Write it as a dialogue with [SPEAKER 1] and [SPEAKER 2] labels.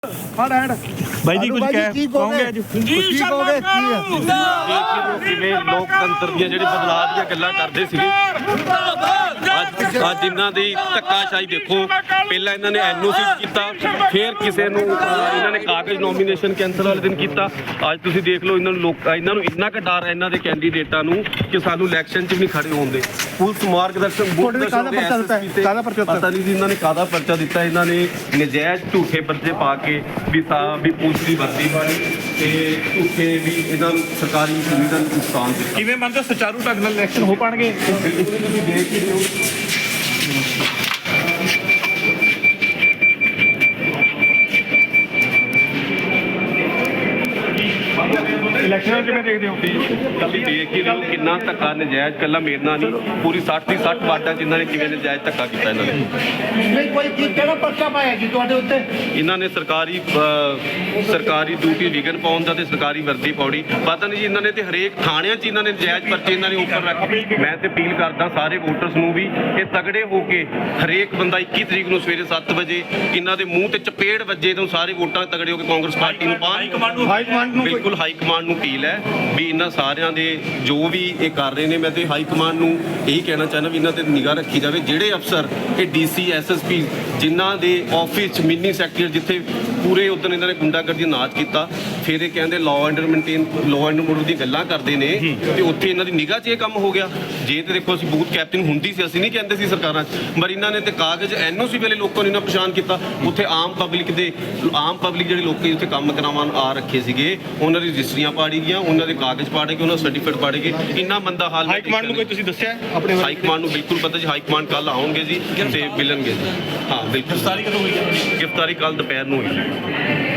[SPEAKER 1] ਬਾਈ ਜੀ ਕੁਝ ਕਹੋਗੇ ਅੱਜ
[SPEAKER 2] ਕੀ ਕਹੋਗੇ ਕਿਵੇਂ ਲੋਕਤੰਤਰ ਦੀਆਂ ਜਿਹੜੇ ਬਦਲਾਅ ਦੀਆਂ ਗੱਲਾਂ ਕਰਦੇ ਸੀਗੇ ਅੱਜ ਇਹਨਾਂ ਦੀ ਧੱਕਾਸ਼ਾਹੀ ਦੇਖੋ। ਪਹਿਲਾਂ ਇਹਨਾਂ ਨੇ ਐਨਓਸੀ ਕੀਤਾ, ਫਿਰ ਕਿਸੇ ਨੂੰ ਇਹਨਾਂ ਨੇ ਕਾਗਜ਼ ਨੋਮੀਨੇਸ਼ਨ ਕੈਂਸਲ ਵਾਲੇ ਦਿਨ ਕੀਤਾ। ਅੱਜ ਤੁਸੀਂ ਦੇਖ ਲਓ ਇਹਨਾਂ ਨੂੰ ਇੰਨਾ ਕੁ ਡਰ ਹੈ ਇਹਨਾਂ ਦੇ ਕੈਂਡੀਡੇਟਾਂ ਨੂੰ ਕਿ ਸਾਨੂੰ ਇਲੈਕਸ਼ਨ 'ਚ ਵੀ ਨਹੀਂ ਖੜੇ ਹੋਣ ਦੇ। ਪੁਲਿਸ ਮਾਰਗਦਰਸ਼ਨ ਪਤਾ ਨਹੀਂ ਜੀ ਇਹਨਾਂ ਨੇ ਕਾਹਦਾ ਪਰਚਾ ਦਿੱਤਾ। ਇਹਨਾਂ ਨੇ ਨਜਾਇਜ਼ ਝੂਠੇ ਪਰਚੇ ਪਾ ਕੇ ਵੀ ਪੁਲਿਸ ਦੀ ਵਰਦੀ ਪਾਈ ਤੇ ਝੂਠੇ ਵੀ ਇਹਨਾਂ ਨੂੰ ਸਰਕਾਰੀ ਸੁਵਿਧਾ ਨੂੰ ਨੁਕਸਾਨ ਦਿੱਤਾ।
[SPEAKER 1] ਕਿਵੇਂ ਮੰਨਦੇ ਸੁਚਾਰੂ ਢੰਗ ਨਾਲ ਇਲੈਕਸ਼ਨ ਹੋ ਪਾਣਗੇ?
[SPEAKER 2] ਤੁਸੀਂ ਦੇਖ ਹੀ ਰਹੇ ਹੋ
[SPEAKER 1] ਇਲੈਕਸ਼ਨ ਕਿਵੇਂ ਦੇਖਦੇ ਹੋ?
[SPEAKER 2] ਤੁਸੀਂ ਦੇਖ ਹੀ ਰਹੇ ਹੋ ਕਿੰਨਾ ਧੱਕਾ ਨਜਾਇਜ਼, ਕੱਲਾ ਮੇਰੇ ਨਾਲ ਨਹੀਂ ਪੂਰੀ 60 ਦੀ 60 ਵਾਰਡਾਂ 'ਚ ਇਹਨਾਂ ਨੇ ਕਿਵੇਂ ਨਜਾਇਜ਼ ਧੱਕਾ ਕੀਤਾ। ਇਹਨਾਂ ਨੇ
[SPEAKER 3] ਕਿਹੜਾ ਪਰਚਾ ਪਾਇਆ ਜੀ ਤੁਹਾਡੇ ਉੱਤੇ?
[SPEAKER 2] ਇਹਨਾਂ ਨੇ ਸਰਕਾਰੀ ਡਿਊਟੀ ਵਿਗਨ ਪਾਉਣ ਦਾ ਤੇ ਸਰਕਾਰੀ ਵਰਦੀ ਪਾਉਣੀ ਪਤਾ ਨਹੀਂ ਜੀ। ਇਹਨਾਂ ਨੇ ਤੇ ਹਰੇਕ ਥਾਣਿਆਂ 'ਚ ਇਹਨਾਂ ਨੇ ਨਜਾਇਜ਼ ਪਰਚੇ ਇਹਨਾਂ ਨੇ ਉੱਪਰ ਰੱਖ। ਮੈਂ ਤੇ ਅਪੀਲ ਕਰਦਾ ਸਾਰੇ ਵੋਟਰਸ ਨੂੰ ਵੀ ਕਿ ਤਗੜੇ ਹੋ ਕੇ ਹਰੇਕ ਬੰਦਾ 21 ਤਰੀਕ ਨੂੰ ਸਵੇਰੇ 7 ਵਜੇ ਇਹਨਾਂ ਦੇ ਮੂੰਹ ਤੇ ਚਪੇੜ ਵੱਜੇ ਤੋਂ ਸਾਰੇ ਵੋਟਾਂ ਤਗੜੇ ਹੋ ਕੇ ਕਾਂਗਰਸ ਪਾਰਟੀ ਨੂੰ ਪਾਉਣ। ਬਿਲਕੁਲ ਹਾਈ ਕਮਾਂਡ ਨੂੰ ਅਪੀਲ ਹੈ ਵੀ ਇਹਨਾਂ ਸਾਰਿਆਂ ਦੇ ਜੋ ਵੀ ਇਹ ਕਰ ਰਹੇ ਨੇ। ਮੈਂ ਤੇ ਹਾਈ ਕਮਾਂਡ ਨੂੰ ਇਹੀ ਕਹਿਣਾ ਚਾਹੁੰਦਾ ਵੀ ਇਹਨਾਂ ਤੇ ਨਿਗਾਹ ਰੱਖੀ ਜਾਵੇ। ਜਿਹੜੇ ਅਫਸਰ ਇਹ ਡੀਸੀ ਐਸਐਸਪੀ ਜਿਨ੍ਹਾਂ ਦੇ ਆਫਿਸ 'ਚ ਮਿੰਨੀ ਸੈਕਟਰੀ ਜਿੱਥੇ ਪੂਰੇ ਉਦੋਂ ਇਹਨਾਂ ਨੇ ਗੁੰਡਾਗਰਦੀ ਨਾਚ ਕੀਤਾ, ਫਿਰ ਇਹ ਕਹਿੰਦੇ ਲਾਅ ਐਂਡ ਆਰਡਰ ਦੀਆਂ ਗੱਲਾਂ ਕਰਦੇ ਨੇ ਤੇ ਉੱਥੇ ਇਹਨਾਂ ਦੀ ਨਿਗਾਹ 'ਚ ਇਹ ਕੰਮ ਹੋ ਗਿਆ। ਜੇ ਤੇ ਦੇਖੋ ਅਸੀਂ ਬੂਥ ਕੈਪਟਿੰਗ ਹੁੰਦੀ ਸੀ, ਅਸੀਂ ਨਹੀਂ ਕਹਿੰਦੇ ਸੀ ਸਰਕਾਰਾਂ 'ਚ, ਪਰ ਇਹਨਾਂ ਨੇ ਤੇ ਕਾਗਜ਼ ਐਨਓਸੀ ਵੇਲੇ ਲੋਕਾਂ ਨੂੰ ਇਹਨਾਂ ਪਛਾਣ ਕੀਤਾ। ਉੱਥੇ ਆਮ ਪਬਲਿਕ ਜਿਹੜੇ ਲੋਕੀ ਉੱਥੇ ਕੰਮ ਕਰਾਉਣ ਆ ਰੱਖੇ ਸੀਗੇ ਉਹਨਾਂ ਦੀ ਰਜਿਸਟਰੀਆਂ ਪਾੜੀ ਗਈਆਂ, ਉਹਨਾਂ ਦੇ ਕਾਗਜ਼ ਪਾੜੇ ਗਏ, ਉਹਨਾਂ ਦਾ ਸਰਟੀਫਿਕੇਟ ਪਾੜੇ ਗਏ। ਇੰਨਾ ਮੰਦਾ ਹਾਲ
[SPEAKER 1] ਹਾਈ ਕਮਾਂਡ ਨੂੰ ਕੋਈ ਤੁਸੀਂ ਦੱਸਿਆ ਆਪਣੇ?
[SPEAKER 2] ਹਾਈ ਕਮਾਂਡ ਨੂੰ ਬਿਲਕੁਲ ਪਤਾ ਜੀ। ਹਾਈ ਕਮਾਂਡ ਕੱਲ ਆਉਣਗੇ ਜੀ ਤੇ ਮਿਲਣਗੇ ਜੀ। ਹਾਂ ਬਿਲਕੁਲ।
[SPEAKER 1] ਗ੍ਰਿਫਤਾਰੀ ਕਦੋਂ ਹੋਈ?
[SPEAKER 2] ਗ੍ਰਿਫਤਾਰੀ ਕੱਲ ਦੁਪਹਿਰ ਨੂੰ ਹੋਈ।